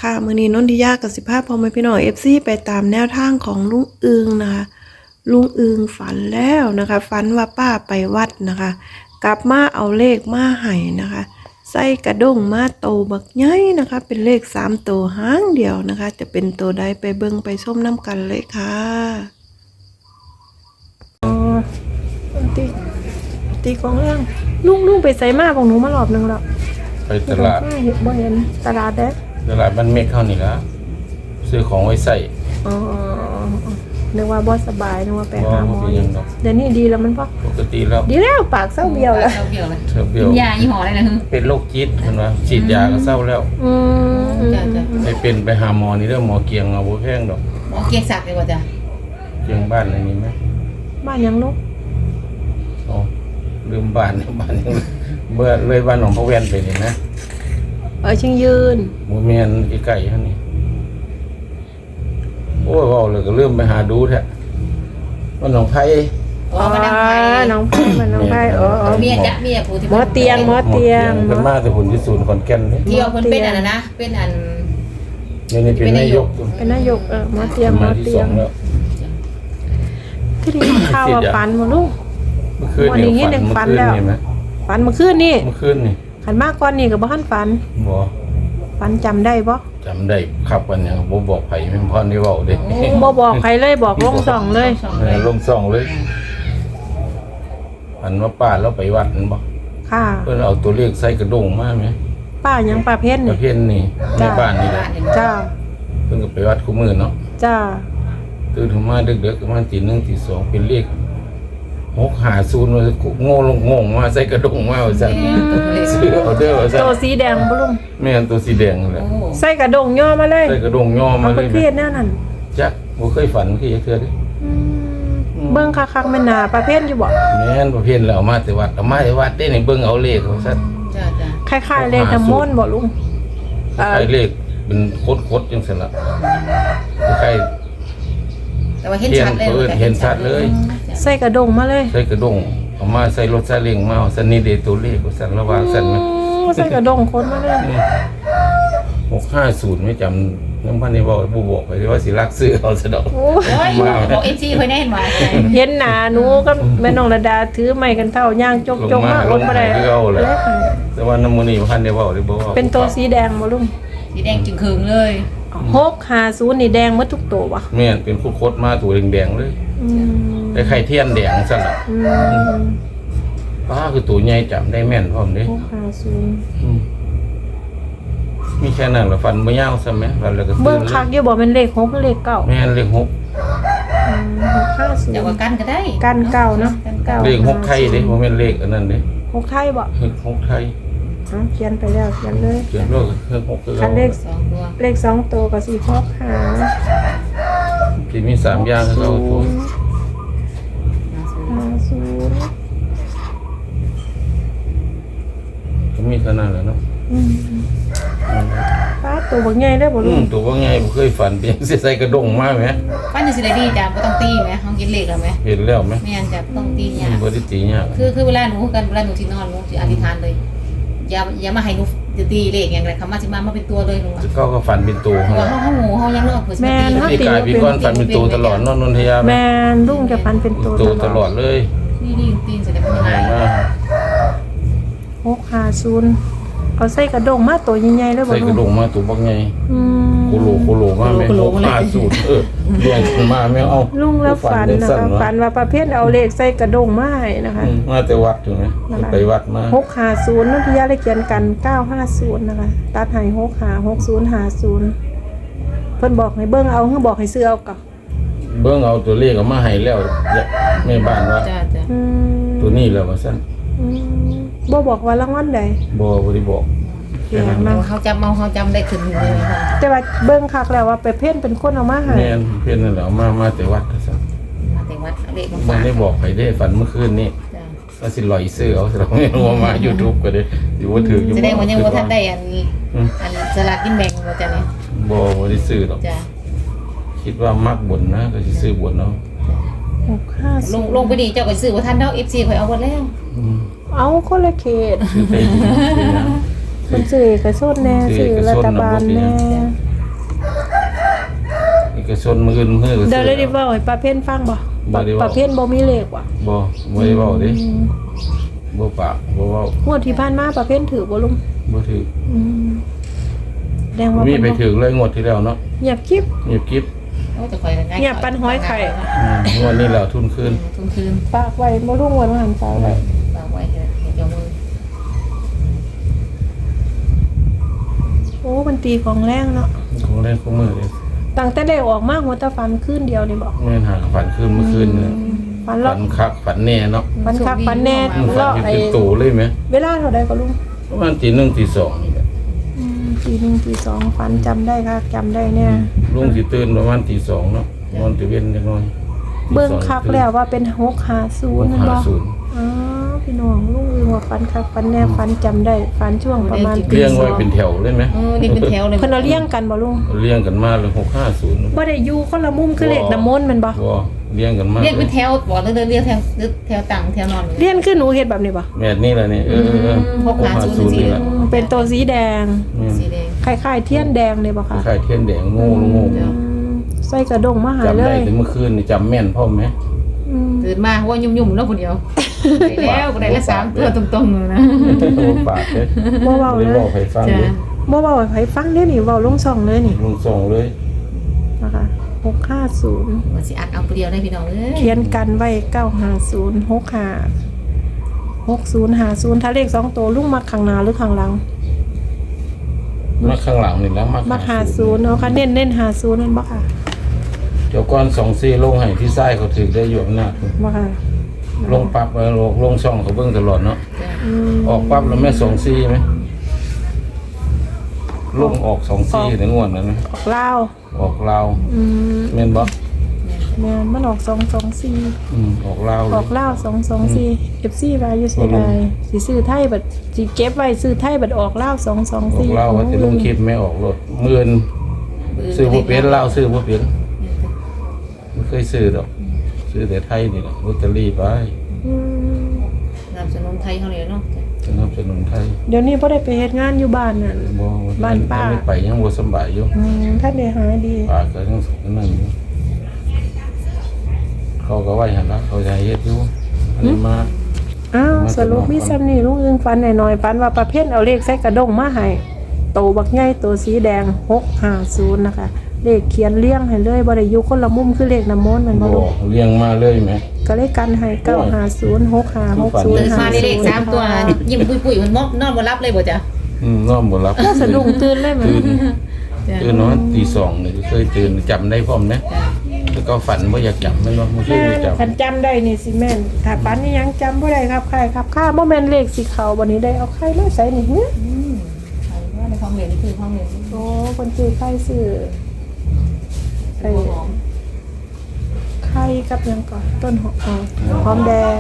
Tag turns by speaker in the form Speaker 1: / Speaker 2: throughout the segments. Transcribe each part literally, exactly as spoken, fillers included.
Speaker 1: ค่ะมื้อนี้นนทิยากับสิบห้าพอมาพี่น้อง เอฟ ซี ไปตามแนวทางของลุงอึงนะคะลุงอึงฝันแล้วนะคะฝันว่าป้าไปวัดนะคะกลับมาเอาเลขมาให้นะคะใส่กระด้งมาโตบักใหญ่นะคะเป็นเลขสามโตหางเดียวนะคะจะเป็นโตใดไปเบิ่งไปชมน้ำกันเลยค่ะอ๋อตีตีของเรื่องลุงลุงไปใส่มาของหนูมารอบนึงแล้ว
Speaker 2: ไปตลาด
Speaker 1: เห็นบ่เห็นตลาดเด้
Speaker 2: ตลาดบ้านเมฆเข้านี่ละซื้อของไว้ใส่
Speaker 1: อ๋อนึกว่าบ่สบายนึกว่าไปหาหมอเดี๋ยวนี้ดีแล้วมันพอ
Speaker 2: ปกติแล้ว
Speaker 1: ดีแล้วปากเศร้าเบี้ยวแล้ว
Speaker 3: เศร้าเบี้ยวเลย
Speaker 2: เศร้าเบี้ยว
Speaker 3: กินยายี่ห้ออะไรนะฮึ
Speaker 2: เป็นโรคจิตมันว่าฉีดยาก็เศร้าแล้ว
Speaker 1: อืม
Speaker 2: ไปเป็นไปหาหมอนี่เรื่องหมอเกียงเอาบ่แพงดอก
Speaker 3: หมอเกียงศักดิ์เลยว่าจ้ะ
Speaker 2: เกียงบ้านอะไรนี่ไหม
Speaker 1: บ้านยังลูก
Speaker 2: อ๋อลืมบ้านบ้านยังเมื่อเลยบ้านหนองพระแวนไปนี่นะ
Speaker 1: เออชิงยืน
Speaker 2: หมู่เมียนไกลๆฮะนี่โอ้ยว่าเลยก็เริ่มไปหาดูแท้ว่าหนองไผ่
Speaker 3: อ๋อมาดังไผ่
Speaker 1: น้องไผ่มันน้องไผ่เออ
Speaker 3: เมียจ้ะเมียผู้ที่
Speaker 1: หมอเตียงหมอเตียง
Speaker 2: เพิ่นมาแต่ผลที่ศูนย์ขอนแก่นนี่
Speaker 3: ที่เอาเพิ่นเป็นอันนั้นนะเป็นอัน
Speaker 2: นี่นี่เป็นนายก
Speaker 1: เป็นนายกเออหมอเตียงหมอเตียงที่นี่ข้าวฝันบ่ลูก
Speaker 2: เมื่อคืนนี่ฝันแล้ว
Speaker 1: ฝันเมื่อคืนนี่
Speaker 2: เมื่อคืนนี่
Speaker 1: ขันมากก่อนนี่ก็บ่ทันฝัน
Speaker 2: บ่
Speaker 1: ฝันจำได้บ่
Speaker 2: จำได้ครับวันนี้บ่บอกไผแม่นพ่อนี่เว้าเด้
Speaker 1: บ่บอกใครเลยบอกลงส่องเลย
Speaker 2: เออลงส่องเลยอันว่าป้าเราไปวัดนั่นบ่
Speaker 1: ค่ะ
Speaker 2: เพิ่นเอาตัวเลขใส่กระด้งมาแม่
Speaker 1: ป้ายังป้าเพ็ญ
Speaker 2: นี่ป้าเพ็ญนี่ในบ้านนี่แหละ
Speaker 1: จ้า
Speaker 2: เพิ่นก็ไปวัดคู่มื้อเนาะ
Speaker 1: จ้า
Speaker 2: ตื่นขึ้นมาดึกๆประมาณตีหนึ่งตีสองเป็นเลขหกห้าศูนย์ว่าโง่ลงงงมาใส่กระด้งมาว่าซั่นซื้อเอาเด้อว่าซั่น
Speaker 1: ตัวสีแดงบ่ลุง
Speaker 2: แม่นตัวสีแดงนั่นแหละ
Speaker 1: ใส่กระด้งย่อมาเลย
Speaker 2: ใส่กระด้งย่อมาเลย
Speaker 1: เพิ่นแนวนั้น
Speaker 2: จักบ่เคยฝันคือจักเทื่อเด้
Speaker 1: เบิ่งคักๆแม่นหน้าป้าเพ็ญอยู่บ่
Speaker 2: แม่นป้าเพ็ญแล้วเอามาแต่วัดเอามาแต่วัดเด้นี่เบิ่งเอาเลขว่าซั่น
Speaker 3: จ้า
Speaker 1: ๆคล้ายๆเลขน้ำมนต์บ่ลุง
Speaker 2: คล้ายเลขเป็นโคตรๆจังซั่นล่ะคล้าย
Speaker 3: แต่ว่าเห็นชัดเลย
Speaker 2: เห็นชัดเลย
Speaker 1: ใส่กระด้งมาเลย
Speaker 2: ใส่กระด้งเอามาใส่รถซาเล้งมาซั่นนี่เด้ตัวเลขว่าซั่นระว่าซั่นมั้ย
Speaker 1: ใส่กระด้งคนมาเลย
Speaker 2: หกห้าศูนย์ไม่จำน้ำพันนี่บอกผู้บอกไปว่าสิรักซื้อเอาซะดอก
Speaker 3: โอ้ยบอกเอฟซีเพิ่นได้เห็นว่า
Speaker 1: เห็นหน้าหนูกับแม่น้องระดาถือไม้กันเท่าย่างจกๆมาอดบ่ได้
Speaker 2: แต่ว่าน้ำมันนี่พันได้บอกได้บ่ว่า
Speaker 1: เป็นตัวสีแดงบ่ลุง
Speaker 3: สีแดงจึงคืนเลย
Speaker 1: หกห้าศูนย์นี่แดงหมดทุกตัวบ่
Speaker 2: แม่นเป็นโคตรๆมาตัวแดงๆเลยอืมไอ้ไข่เทียนแดงซั่นน่ะอืมป้าคือตัวใหญ่จำได้แม่นพร้อมเด้
Speaker 1: หกห้าศูนย์
Speaker 2: อืมมีแค่นั้นล่ะฟันบ่ยาวซะแม่ฟันแล้วก็
Speaker 1: เบิ่งคักอยู่บ่แม่นเลขหกหรือเลขเก้า
Speaker 2: แม่นเลขหก
Speaker 1: อืมหกห้าศูนย์
Speaker 3: แต่ว่ากันก็ได้
Speaker 1: กันเก้าเนาะเก้า
Speaker 2: เลขหกไทยเด้บ่แม่นเลขอันนั้นเด้
Speaker 1: หกไทยบ่
Speaker 2: หกไทย
Speaker 1: อ๋อเขียนไปแล้วเขียนเลย
Speaker 2: เขียนเลขหกคือ
Speaker 1: เลขสองตัวเลขสองตัวก็สิหกห้า
Speaker 2: สิมีสามอย่างคือเอาตัว
Speaker 1: ห้าศูนย์
Speaker 2: ก็มีเท่านั้นแหละเนาะ
Speaker 1: อืมป้าตัวบักใหญ่ได้บ่ลุง
Speaker 2: ตัวบักใหญ่บ่เคยฝันเพียงสิใส่กระด้งมาแหม
Speaker 3: ฝันจังซี่ได้ดีจ้ะบ่ต้องตีแหมเฮากินเลขแล้วแหม
Speaker 2: เห็นแล้วแหม
Speaker 3: แม่นจ้ะบ่ต้องตียาก
Speaker 2: บ่ได้ตียาก
Speaker 3: คือคือเวลาหนูกันเวลาหนูสินอนหนูสิอธิษฐานเลยอย่าอย่ามาให้หนูตีเลขอย่างไรคำว่าสิมามาเป็นตัวเลยลุง
Speaker 2: ก็ก็ฝันเป็นตัว
Speaker 3: เฮาเฮาหมูเฮายังเลิกเพิ่นสิ
Speaker 1: มา
Speaker 2: ตีพี่กายพี่ก้อนฝันเป็นตัวตลอดนอนนนทยา
Speaker 1: แม่นลุงจะฝันเป็นตัว
Speaker 2: ตลอดเลย
Speaker 3: นี่ๆตีนสิได้เป็นยังไง
Speaker 1: หกห้าศูนย์เอาใส่กระด้งมาตัวใหญ่ๆเลยบ่ลุง
Speaker 2: ใส่กระด้งมาตัวบักใหญ่
Speaker 1: อืม
Speaker 2: โคโลโคโลมาแม่หกห้าศูนย์เออเรียงขึ้นมาแม่เอา
Speaker 1: ลุงแล้วฝันนะคะฝันว่าประเภทเอาเลขใส่กระด้งมาให้นะคะ
Speaker 2: มาแต่วัดถูกมั้ยไปวัดมา
Speaker 1: หกห้าศูนย์นนทิยาเลยเขียนกันเก้าห้าศูนย์นะคะตัดให้หกห้า หกศูนย์ ห้าศูนย์เพิ่นบอกให้เบิ่งเอาเพิ่นบอกให้ซื้อเอากับ
Speaker 2: เบิ่งเอาตัวเลขเอามาให้แล้วแม่บ้านว่า
Speaker 3: จ้ะๆอื
Speaker 2: มตัวนี้แล้วว่าซั่น
Speaker 1: อืมบ่บอกว่ารางวัลใด
Speaker 2: บ่บ่ได้บอก
Speaker 3: เฮาจำเฮาเฮาจำได้ขึ้นเลยค่ะ
Speaker 1: แต่ว่าเบิ่งคักแล้วว่าไปเพ่นเป็นคนเอามาให้
Speaker 2: แม่นเพ่นนั่นแหละมามาแต่วัดซั่น
Speaker 3: มาแต่วัดเลข
Speaker 2: บ่ได้บอกให้ได้ฝันเมื่อคืนนี้จ้ะว่าสิลอยซื้อเอาเราไม่รู้ว่ามา YouTube ก็ได้สิบ่ถืออยู่
Speaker 3: แสดงว่ายังบ่ทันได้อันอันสลากกินแบ่งว่าจ้ะนี่
Speaker 2: บ่บ่ได้ซื้อหรอกจ้ะคิดว่ามักบุญนะก็สิซื้อบุญเนาะ
Speaker 1: หกห้า
Speaker 3: ลงลงไปดิเจ้าก็ซื้อบ่ทันเนาะ เอฟ ซี ข่อยเอาหมดแล้ว
Speaker 1: เอาคนละเขตคนซื้อก็สุดแน่ซื้อรัฐบาลแน่
Speaker 2: ก็ชนมืออื่นมือก็
Speaker 1: เดี๋ยวเลยได้
Speaker 2: บ่
Speaker 1: เว้าให้ป้าเพ่นฟังบ่
Speaker 2: บ่ได้เว้า
Speaker 1: ป้าเพ่นบ่มีเลขว่ะ
Speaker 2: บ่บ่ได้เว้าเด้บ่ปากบ่เว้าง
Speaker 1: วดที่ผ่านมาป้าเพ่นถือบ่ลุง
Speaker 2: บ่ถือ
Speaker 1: อืมแสดงว่า
Speaker 2: มี
Speaker 1: เพิ่น
Speaker 2: ไป
Speaker 1: บ่
Speaker 2: ถือเลยงวดที่แล้วเนาะ
Speaker 1: เงียบคลิป
Speaker 2: เงียบกิ๊บ
Speaker 3: โอ้จะคอยกันง่าย
Speaker 1: เนี่ยปั้นห้อยไข่
Speaker 2: อืมงวดนี้แล้วทุนคืน
Speaker 3: ทุนคืน
Speaker 1: ฝากไว้บ่ลุงวันหันฝากไว้
Speaker 3: ฝากไว้เถอะเดี๋ยวมือ
Speaker 1: โอ้มันตีของแรงเนาะ
Speaker 2: ของเล่นของมือเลย
Speaker 1: ตั้งแต่ได้ออกมาหัวตาฟันคืนเดียวนี่บ่
Speaker 2: แม่นหาฝันคืนเมื่อคืนเนี่ย
Speaker 1: ฟัน
Speaker 2: ฝั
Speaker 1: เลาะ
Speaker 2: นคักฝันแน่เนาะ
Speaker 1: ฟันคักฟันแน่
Speaker 2: ฝัน
Speaker 1: เลาะ
Speaker 2: เห็น
Speaker 1: ไอ้
Speaker 2: เป็นโตเลยไหม
Speaker 1: เวลาเท่าใดก็ลุง
Speaker 2: ประมาณตีหนึ่งตีสองนี่แหละ
Speaker 1: อืมตีหนึ่งตีสองฟันจำได้ค่ะจำได้เนี่ย
Speaker 2: ลุงสิตื่นประมาณตีสองเนาะนอนตีเว้นจังน้อย
Speaker 1: เบิ่งคักแล้วว่าเป็นหกห้าศูนย์นั่นบ่
Speaker 2: ศูนย์
Speaker 1: อ๋อพี่น้องลุงอึงว่าฟันคักฟันแน่ฟันจำได้ฟันช่วงประมาณตี
Speaker 2: เลี้ยง
Speaker 1: ส
Speaker 2: ไว้
Speaker 1: อง
Speaker 2: เป็นแถวเลยไหม
Speaker 3: เออนี่เป็นแถวเลย
Speaker 1: เพิ่นเอาเลี้ยงกันบ่ลุง
Speaker 2: เลี้ยงกันมาเลยหกห้าศูนย์
Speaker 1: บ่ได้อยู่คนละมุมคือเลขน้ำมนต์แม่นบ่
Speaker 2: ก็เลี้ยงกันมา
Speaker 3: เรียกเป็นแถวบอกเลยเรียกแถวแถวต่างแถวนอน
Speaker 1: เลี้ยงคือหนูเฮ็ดแบบนี้บ่
Speaker 2: แม่นี่แหละนี่เออเออเออ
Speaker 3: หกห้าศูนย์
Speaker 2: นี่แหละ
Speaker 1: อืมเป็นตัวสีแดง
Speaker 3: สีแดง
Speaker 1: คล้ายๆเทียนแดงเลยบ่คะ
Speaker 2: คล้ายๆเทียนแดงโง่โง่
Speaker 1: อืมใส่กระดงมาหา
Speaker 2: จำ
Speaker 1: เล
Speaker 2: ได้
Speaker 1: ย
Speaker 2: ถึงเมื่อคืนนี่จำแม่นพ่อไหม
Speaker 1: อืม
Speaker 3: ตื่นมาว่ายุ่มๆแล้วคนเดียวได้แล้วก็ได้ละสามตัวตรงๆเลยนะ
Speaker 2: ปากเลย
Speaker 1: บ่เว้า
Speaker 2: ไม่
Speaker 1: เล
Speaker 2: ได้
Speaker 1: ย
Speaker 2: บอกใครฟัง
Speaker 3: จ้ะ
Speaker 2: เลย
Speaker 1: บ่เว้าให้ไผฟังเด้อนี่เว้าลงช่องเลยนี่
Speaker 2: ลุงส่งเลย
Speaker 1: นะคะหกห้าศูนย์
Speaker 3: ว่าสิอัดเอาเปรียวได้พี่น้องเอ้ย
Speaker 1: เขียนกันไว้เก้าห้าศูนย์ หกห้า หกศูนย์ห้าศูนย์ถ้าเลขสองตัวลุงมักข้างหน้าหรือข้างหลัง
Speaker 2: มาข้างหลังนี่แล้วมา
Speaker 1: มักห้าศูนย์เนาะค่ะเน้นเน้นห้าศูนย์นั่นบ่ค่ะ
Speaker 2: เดี๋ยวก้อนสองซี่ลงให้ที่ไส้เขาถือได้อยู่อำนาจ
Speaker 1: บ่ค่ะ
Speaker 2: ลงปั๊บแล้วลงช่องเขาเบิ่งตลอดเนาะ
Speaker 3: จ้ะ
Speaker 1: อืม
Speaker 2: ออกปั๊บแล้วแม่สองซี่ไหมลงออกสองซี่ในงวดนั้นไหม
Speaker 1: ออกลาว
Speaker 2: ออกลาว
Speaker 1: อืม
Speaker 2: แม่นบ่
Speaker 1: แม่นมันออกสองสองสี่
Speaker 2: อืมออกลาวเล
Speaker 1: อย อกลาวสองสองสี่ เอฟ ซี ว่าอยู่เสียดายสิซื้อไทยบัดสิเก็บไว้ซื้อไทยบัดออกลาวสองสอง
Speaker 2: ออก
Speaker 1: สี่
Speaker 2: ลาวว่าจะลงคลิปไม่ออกรถหมื่นซื้อบ่เป็นลาวซื้อบ่เป็นไม่เคยซื้อดอกซื้อแต่ไทยนี่แหละลอตเตอรี่ไป
Speaker 1: อืม
Speaker 3: นำสนุนไทยเขาเลยเนาะ
Speaker 2: สนับสนุนไทย
Speaker 1: เดี๋ยวนี้บ่ได้ไปเฮ็ดงานอยู่บ้านน่ะ
Speaker 2: บ่
Speaker 1: บ้านป้า
Speaker 2: ยังไม่ไปยังบ่สำบายอยู่
Speaker 1: อืมท่านได้หายดี
Speaker 2: ป้าก็ยังนั่นอยู่เขาก็ไว้หั่นละเขาจะให้เฮ็ดอยู่อันนี้มา
Speaker 1: อ้าว
Speaker 2: มา
Speaker 1: สรุปมีซ้ำนี่ลุงอึงฟันหน่อยๆฟันว่าประเภทเอาเลขใส่กระดงมาให้โตบักใหญ่โตสีแดงหกห้าศูนย์นะคะเลขเขียนเลี้ยงให้เลยบ่ได้อยู่คนละมุมคือเลขน้ำมนต์แมันบ่
Speaker 2: บ
Speaker 1: ลู
Speaker 2: อก กเลี้ยงมาเลยไหม
Speaker 1: ก็เลยกันให้เก้าห้าศูนย์ หกห้า หกศูน
Speaker 3: ตื่
Speaker 1: ย์
Speaker 3: น
Speaker 1: ห้า
Speaker 3: มาได้เลขสามตัว
Speaker 1: ค่ะ
Speaker 3: ยิ้มปุยๆมันมอบนอนบ่รับเลยบ่จ้ะ
Speaker 2: อืมนอนบ่หลับ
Speaker 1: ก็สะดุ้งตื่นเลยเหมือน
Speaker 2: ตื่น
Speaker 3: จ้ะ
Speaker 2: ตื่นนอนตีสองนี่เคยตื่นจำได้พร้อมนะ
Speaker 3: จ้ะ
Speaker 2: แล้วก็ฝันว่าอยากจำไม่รู้ไม่เคย
Speaker 1: แม่
Speaker 2: จ
Speaker 1: คันจำได้นี่สิแม่นถ้าปันนี่ยังจำบ่ได้ครับใครครับข้าบ่แม่นเลขสิเขาบัดนี้ได้เอาใครมาใส่นี่หึ
Speaker 3: อืมใครว่าในห้องเรียนนี่คือห้องเรียน
Speaker 1: โอ้คนซื้อไข่ซื้อไอ้
Speaker 3: หัวหอม
Speaker 1: ไข่กับหยังก่อนต้นหอมอ๋อหอมแดง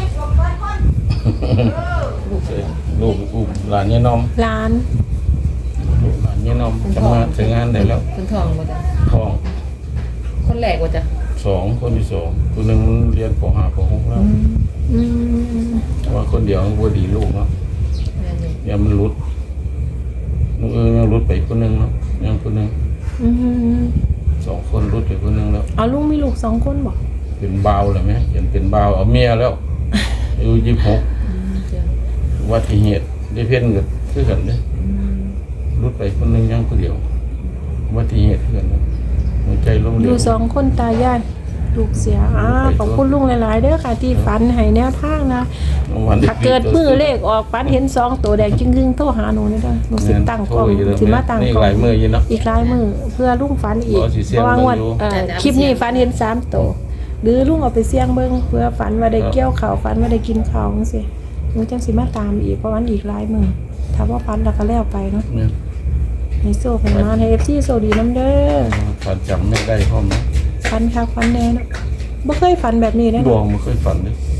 Speaker 2: ำลูกลูกอุ้มหลานเนี่ยน้อม
Speaker 1: ร้าน
Speaker 2: ลูกหลานเนี่ยน้อมจะมาถึงงานได้แล้ว
Speaker 3: คุณทองบ่จ้ะ
Speaker 2: ท้อง
Speaker 3: คนแรกบ่จ้ะ
Speaker 2: สองคนที่สองคนหนึ่งเรียนปห้าปหกแล้ว
Speaker 1: อืม
Speaker 2: ว่าคนเดียวมันบ่ดีลูกเนาะ
Speaker 3: แม่นี่
Speaker 2: อย่ามันรุดลูกเออยังรุดไปคนหนึ่งเนาะยังคนหนึ่ง
Speaker 1: อืม
Speaker 2: สองคนรุดไปคนหนึ่งแล้ว
Speaker 1: เอาลุงมีลูกสองคนบ่
Speaker 2: เป็นบ่าวเลยไหมเห็นเป็นบ่าวเอาเมียแล้วอายุยี่สิบหก
Speaker 3: อืมจ้ะ
Speaker 2: อุบัติเหตุได้เพี้ยนกับคือกันเลย
Speaker 3: อืม
Speaker 2: รุดไปคนหนึ่งยังคนเดียวอุบัติเหตุคือกันเลยหัวใจล้มเหล
Speaker 1: อ
Speaker 2: ว
Speaker 1: ยู่สองคนตายายลูกเสียอ่าขอบคุณลุงหลายๆเด้อค่ะที่ฝันให้แนวทางนะ
Speaker 2: วันที่
Speaker 1: ถ้าเกิดมือเลขออกฝันเห็นสองตัวแดงจึงๆโทรหาหนูนี่เด้อหนูสิตั้งกล้องสิมาตั้ง
Speaker 2: นี่
Speaker 1: กล้อ
Speaker 2: หลาง ยมืออยู่เนาะ
Speaker 1: อีกหลายมือเพื่อลุงฝันอีก
Speaker 2: บ่สิเสี่
Speaker 1: เพ
Speaker 2: ยง
Speaker 1: ราะว่างวด
Speaker 2: เบิ่งอยู่
Speaker 1: เอ่อคลิปนี้ฝันเห็นสามตัวหรือลุงเอาไปเสี่ยงเบิ่งเพื่อฝันว่าได้เกี่ยวข้าวฝันว่าได้กินข้าวจังซี่หนูจังสิมาตามอีกเพราะวันอีกหลายมือถ้าว่าฝันแล้วก็แล้วไปเนาะ
Speaker 2: เนี่ย
Speaker 1: ให้โซ่ให้มาให้ เอฟ ซี โซดีน้ำเด้อ
Speaker 2: ฝันจำไม่ได้พ่อมนะ
Speaker 1: ฝันคักฝันแน่เนาะบ่เคยฝันแบบนี้เด้
Speaker 2: ดว
Speaker 1: เนาะ
Speaker 2: งไม่เคยฝันเลย